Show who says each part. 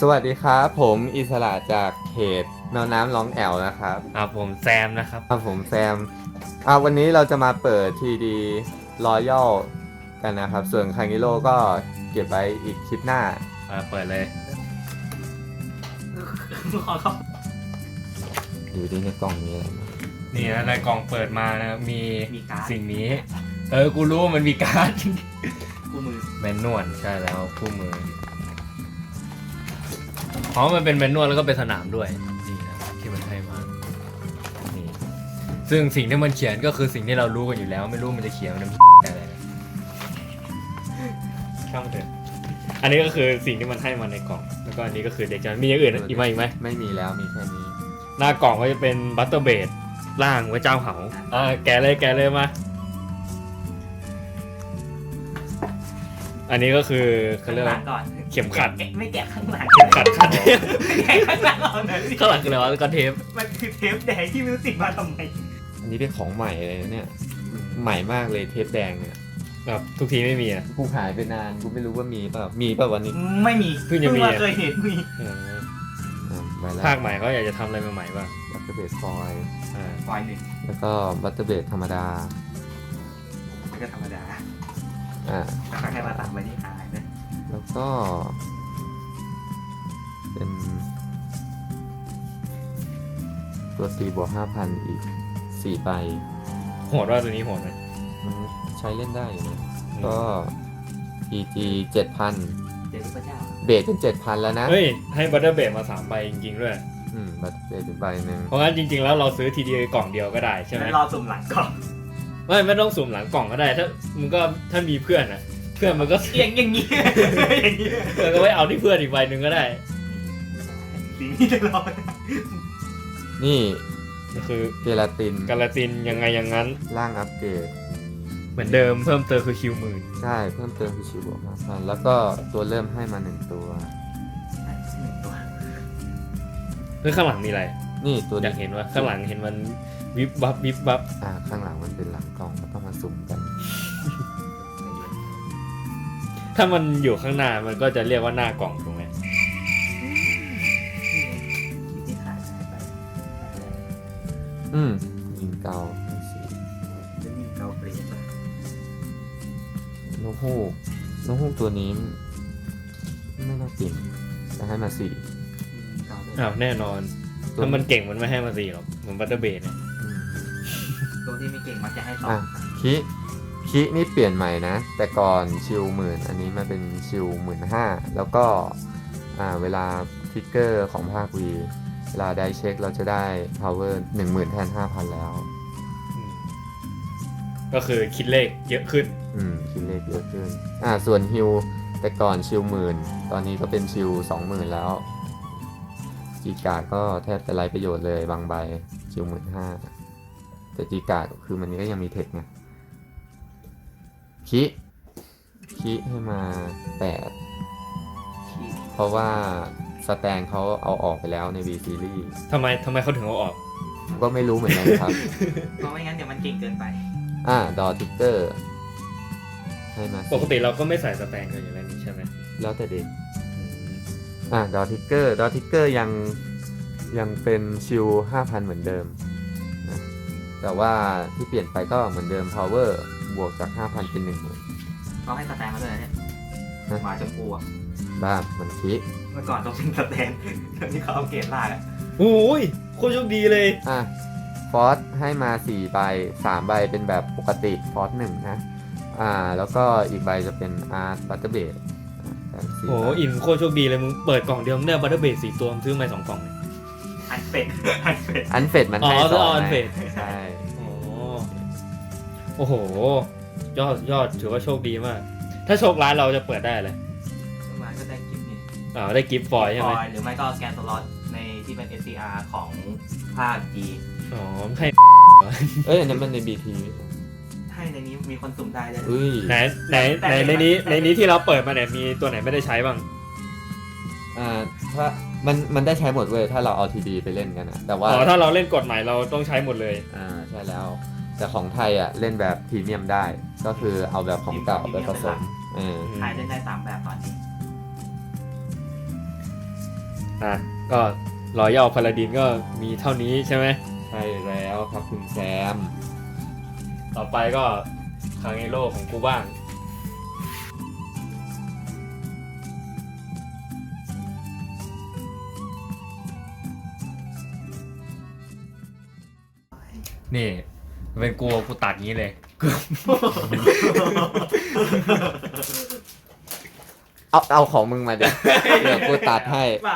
Speaker 1: สวัสดีครับผมอิสระจากเพจแมวน้ำร้องแอวนะครับ
Speaker 2: ผมแซมนะครับ
Speaker 1: ผมแซมวันนี้เราจะมาเปิด TD Royal กันนะครับส่วนคังกิโลก็เก็บไว้อีกคลิปหน้า
Speaker 2: เปิดเลย
Speaker 1: อยู่ดีในกล่องนี้อะไร
Speaker 2: นี่นะในกล่องเปิดมานะมีสิ่งนี้กูรู้มันมีการ์ดคู่มือแมนนวลใช่แล้วคู่มือเพราะมันเป็นแมนนวลแล้วก็เป็นสนามด้วยนี่นะที่มันให้มานี่ซึ่งสิ่งที่มันเขียนก็คือสิ่งที่เรารู้กันอยู่แล้วไม่รู้มันจะเขียนมันอะไรช่างเถอะอันนี้ก็คือสิ่งที่มันให้มาในกล่องแล้วก็อันนี้ก็คือเด็กจะมีอย่างอื่นอีกไหม
Speaker 1: ไม่มีแล้วมีแค่นี้
Speaker 2: หน้ากล่องก็จะเป็นบัตเตอร์เบดล่างไว้เจ้าเหาแกะเลยมาอันนี้ก็คือเขาเรียกว่าเข็มขัด
Speaker 3: ไม่แกะข้างหลัง
Speaker 2: เข็มขัด
Speaker 3: แกะข้างหลังเอาหน่อย
Speaker 2: ข้างหลังคืออะไรวะก็เทป
Speaker 3: มันคือเทปแดงที่ไม่รู้ติดมาทำไม
Speaker 1: อันนี้เป็นของใหม่เลยเนี่ยใหม่มากเลยเทปแดงเนี่ย
Speaker 2: แบบทุกทีไม่มีอ่ะ
Speaker 1: กูหายไปนานกูไม่รู้ว่ามีเปล่าวันนี้
Speaker 3: ไม่มี
Speaker 2: เพิ่งจะมี
Speaker 3: เคยเห็นมี
Speaker 2: ภาคใหม่เขาอยากจะทำอะไรใหม่ๆบ้าง
Speaker 1: บัตเตอร์เบดฟอยล์
Speaker 3: หนึ่ง
Speaker 1: แล้วก็บัตเตอร์เบดธรรมดา
Speaker 3: ก็ธรรมดาแค่มาตัดไปที่หายนะ
Speaker 1: แล้วก็เป็นตัว4+5,000อีก4ใบ
Speaker 2: โหดว่าตัวนี้โหดไหม
Speaker 1: มันใช้เล่นได้อยู่นะก็ PG 7,000เบสเป็น 7,000 แล้วนะ
Speaker 2: เฮ้ยให้บัตเตอร์เบดมา3ใบจริงๆด้วย
Speaker 1: บัตเตอร์เบดใบหนึ่ง
Speaker 2: เพราะงั้นจริงๆแล้วเราซื้อทีเดียวกล่องเดียวก็ได้ใช่ไหม
Speaker 3: รอสุ่มหลังกล่อง
Speaker 2: ไม่ต้องสุ่มหลังกล่องก็ได้ถ้ามีเพื่อนนะเพื่อนมันก็
Speaker 3: อย่างนี้
Speaker 2: ก็ไว้เอาที่เพื่อนอีกใบหนึ่งก็ได้
Speaker 3: สีนี้จะรอ
Speaker 2: นี่คือ
Speaker 1: เกลาติน
Speaker 2: ยังไงอย่างนั้น
Speaker 1: ร่างอัปเกรด
Speaker 2: เหมือนเดิมเพิ่มเติมคือคิวหมื่น
Speaker 1: ใช่เพิ่มเติมคือคิว+5,000แล้วก็ตัวเริ่มให้มา1ตัว
Speaker 2: ข้างหลังมีอะไร
Speaker 1: นี่ตัว
Speaker 2: อยากเห็นว่าข้างหลังเห็นมันวิบวับ
Speaker 1: ข้างหลังมันเป็นหลังกล่องก็ต้องมาสุ่มกัน
Speaker 2: ถ้ามันอยู่ข้างหน้ามันก็จะเรียกว่าหน้ากล่องถูกไหม
Speaker 1: ยิงเกา
Speaker 3: เปลี่ยน
Speaker 1: นกฮูกตัวนี้ไม่น่าเก่งจะให้มา4
Speaker 2: แน่นอนถ้ามันเก่งมันไม่ให้มา4หรอกเหมือนบัตเตอร์เบดเนี่ย
Speaker 3: ตัวที่ไม่เก่งมักจะให้
Speaker 1: คินี่เปลี่ยนใหม่นะแต่ก่อนชิล10,000อันนี้มาเป็นชิล15,000แล้วก็เวลาทริกเกอร์ของภาควีเวลาได้เช็คเราจะได้ power 10,000แทน 5,000 แล้ว
Speaker 2: ก็คือคิดเลขเยอะขึ้น
Speaker 1: คิดเลขเยอะขึ้นส่วนฮิลแต่ก่อนชิล10,000ตอนนี้ก็เป็นชิล20,000แล้วจีการ์ดก็แทบจะไร้ประโยชน์เลยบางใบชิล15,000แต่จีการ์ดคือมันนี้ก็ยังมีเทคไงคิให้มา8เพราะว่าสแตนเขาเอาออกไปแล้วใน V Series
Speaker 2: ทำไมเขาถึงเอาออก
Speaker 1: ก็ไม่รู้เหมือนกันครับ
Speaker 3: เพราะไม่งั้นเดี๋ยวมันเก่งเกินไป
Speaker 1: ดอทิกเกอร์ให้มา
Speaker 2: ปกติเราก็ไม่ใส่สแตนกันอย่างนี้ใช่ไหม
Speaker 1: แล้วแต่เด็กดอทิกเกอร์ยังเป็นชิล 5,000 เหมือนเดิมนะแต่ว่าที่เปลี่ยนไปก็เหมือนเดิม power บวกจาก 5,000 เป็น
Speaker 3: 10,000เขาให้สแตนมาด้วยเนี่ยมาชมพู
Speaker 1: บ้ามันคิ
Speaker 3: เมื่อก่อนต้องเป็นสแตนตอนนี้เขาเอาเกรดล่า
Speaker 2: โอ้ยโคตรโชคดีเลย
Speaker 1: ฟอสให้มา4ใบ3ใบเป็นแบบปกติฟอส1นะแล้วก็อีกใบจะเป็นบัตเตอร์เบด
Speaker 2: โอ้อินโคตรโชคดีเลยมึงเปิดกล่องเดียวมึงได้บัตเตอร์เบด4ตัวมึงซื้อมา2กล่องเลย
Speaker 3: อันเฟด
Speaker 1: มันให้2
Speaker 2: อันเฟด
Speaker 1: ใช่
Speaker 2: โอ้โหยอดถือว่าโชคดีมากถ้าโชคร้ายเราจะเปิดได้เลย
Speaker 3: ร้ายก็ได้กิฟต์นี่
Speaker 2: ได้กิฟต์ฟอยล์ใช่ไหม
Speaker 3: หรือไม่ก็สแกนสล็อตในที่เป็น SCR ของภาค G
Speaker 2: ให้
Speaker 1: อันนั้นมันใน BT
Speaker 3: ให้ในนี้มีคนสุ่มได้เลย
Speaker 2: ไหนในนี้ที่เราเปิดมาเนี่ยมีตัวไหนไม่ได้ใช้บ้าง
Speaker 1: ถ้ามันได้ใช้หมดเว้ยถ้าเราเอา TD ไปเล่นกันนะแต่ว่า
Speaker 2: ถ้าเราเล่นกฎใหม่เราต้องใช้หมดเลย
Speaker 1: ใช่แล้วแต่ของไทยเล่นแบบพรีเมียมได้ก็คือเอาแบบของเก่าไปผสม
Speaker 3: ไทยเล่นได้3แบบตอนนี้
Speaker 2: อ่ะก็รอยัลพาลาดินก็มีเท่านี้ใช่ไหม
Speaker 1: ใช่แล้วครับคุณแซม
Speaker 2: ต่อไปก็คางเอโร่ของกูบ้าง นี่เป็นกูตัดงี้เลย
Speaker 1: เอาของมึงมาเดี๋ยวกูตัดให้